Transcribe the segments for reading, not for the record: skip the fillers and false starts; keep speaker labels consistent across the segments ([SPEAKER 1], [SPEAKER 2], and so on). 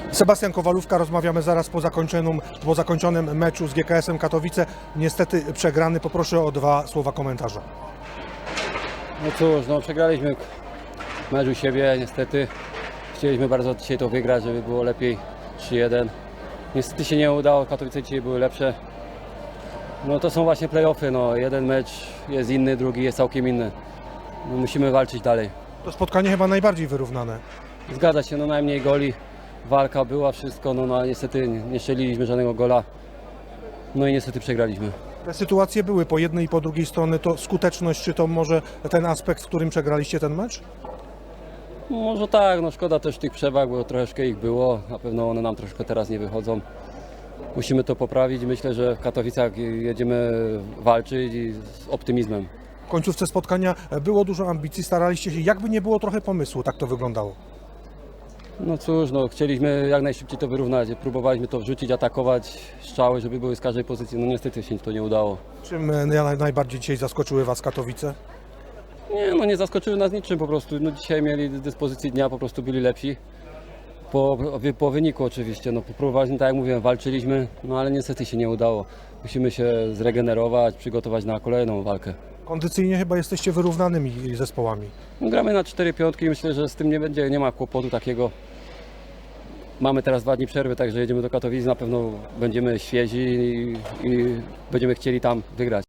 [SPEAKER 1] Sebastian Kowalówka, rozmawiamy zaraz po zakończonym meczu z GKS-em Katowice. Niestety przegrany. Poproszę o 2 słowa komentarza.
[SPEAKER 2] No cóż, no przegraliśmy mecz u siebie, niestety. Chcieliśmy bardzo dzisiaj to wygrać, żeby było lepiej 3-1. Niestety się nie udało, Katowice dzisiaj były lepsze. No to są właśnie play-offy, no jeden mecz jest inny, drugi jest całkiem inny. No, musimy walczyć dalej.
[SPEAKER 1] To spotkanie chyba najbardziej wyrównane.
[SPEAKER 2] Zgadza się, no najmniej goli, walka była, wszystko, no niestety nie strzeliliśmy żadnego gola. No i niestety przegraliśmy.
[SPEAKER 1] Te sytuacje były po jednej i po drugiej stronie. To skuteczność, czy to może ten aspekt, w którym przegraliście ten mecz?
[SPEAKER 2] Może tak, no szkoda też tych przewag, bo troszeczkę ich było. Na pewno one nam troszkę teraz nie wychodzą. Musimy to poprawić. Myślę, że w Katowicach jedziemy walczyć i z optymizmem.
[SPEAKER 1] W końcówce spotkania było dużo ambicji, staraliście się, jakby nie było trochę pomysłu, tak to wyglądało.
[SPEAKER 2] No cóż, no chcieliśmy jak najszybciej to wyrównać. Próbowaliśmy to wrzucić, atakować, strzały, żeby były z każdej pozycji. No niestety się to nie udało.
[SPEAKER 1] Czym najbardziej dzisiaj zaskoczyły Was Katowice?
[SPEAKER 2] Nie, no nie zaskoczyły nas niczym po prostu. No dzisiaj mieli dyspozycji dnia, po prostu byli lepsi. Po wyniku oczywiście, no próbowaliśmy, tak jak mówiłem, walczyliśmy, no ale niestety się nie udało. Musimy się zregenerować, przygotować na kolejną walkę.
[SPEAKER 1] Kondycyjnie chyba jesteście wyrównanymi zespołami.
[SPEAKER 2] No, gramy na 4 piątki i myślę, że z tym nie ma kłopotu takiego. Mamy teraz 2 dni przerwy, także jedziemy do Katowic, na pewno będziemy świezi i będziemy chcieli tam wygrać.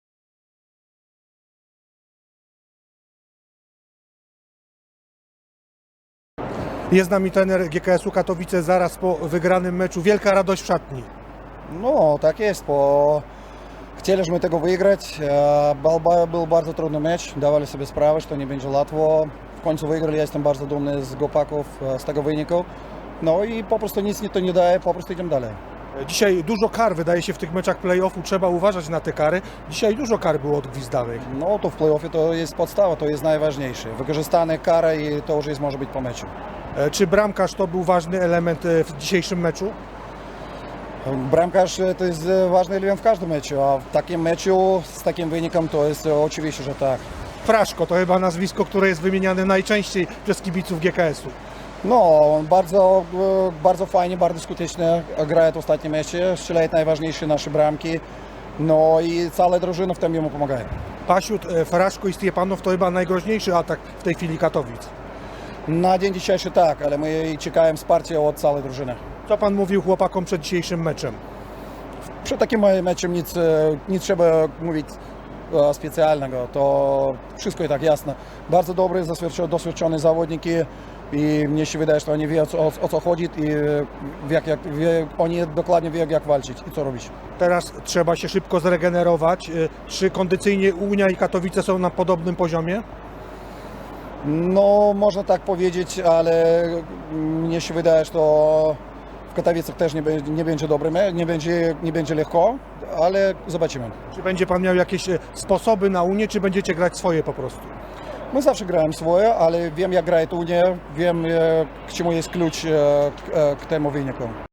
[SPEAKER 1] Jest z nami trener GKS-u Katowice zaraz po wygranym meczu. Wielka radość w szatni.
[SPEAKER 3] No, tak jest, bo chcieliśmy tego wygrać. Był bardzo trudny mecz, dawali sobie sprawę, że nie będzie łatwo. W końcu wygrali, ja jestem bardzo dumny z chłopaków, z tego wyniku. No i po prostu nic to nie daje, po prostu idziemy dalej.
[SPEAKER 1] Dzisiaj dużo kar wydaje się w tych meczach play-offu, trzeba uważać na te kary. Dzisiaj dużo kar było odgwizdanych.
[SPEAKER 3] No to w play-offie to jest podstawa, to jest najważniejsze. Wykorzystane kary i to już jest, może być po meczu.
[SPEAKER 1] Czy bramkarz to był ważny element w dzisiejszym meczu?
[SPEAKER 3] Bramkarz to jest ważny element w każdym meczu, a w takim meczu z takim wynikiem to jest oczywiście, że tak.
[SPEAKER 1] Fraszko to chyba nazwisko, które jest wymieniane najczęściej przez kibiców GKS-u.
[SPEAKER 3] No, bardzo fajnie, bardzo skutecznie gra w ostatnim meczu, strzela najważniejsze nasze bramki, no i cała drużyna w tym jemu pomaga.
[SPEAKER 1] Pasiut, Fraszko i Stiepanow to chyba najgroźniejszy atak w tej chwili Katowic.
[SPEAKER 3] Na dzień dzisiejszy tak, ale my czekamy wsparcia od całej drużyny.
[SPEAKER 1] Co Pan mówił chłopakom przed dzisiejszym meczem?
[SPEAKER 3] Przed takim meczem nic trzeba mówić specjalnego, to wszystko jest tak jasne. Bardzo dobry, doświadczony zawodniki i mnie się wydaje, że oni wiedzą o co chodzi i oni dokładnie wiedzą jak walczyć i co robić.
[SPEAKER 1] Teraz trzeba się szybko zregenerować. Czy kondycyjnie Unia i Katowice są na podobnym poziomie?
[SPEAKER 3] No, można tak powiedzieć, ale mnie się wydaje, że to w Katowicach też nie będzie dobre, nie będzie lekko, ale zobaczymy.
[SPEAKER 1] Czy będzie Pan miał jakieś sposoby na Unię, czy będziecie grać swoje po prostu?
[SPEAKER 3] My zawsze gramy swoje, ale wiem jak gra Unia, wiem k czemu jest klucz k temu wyniku.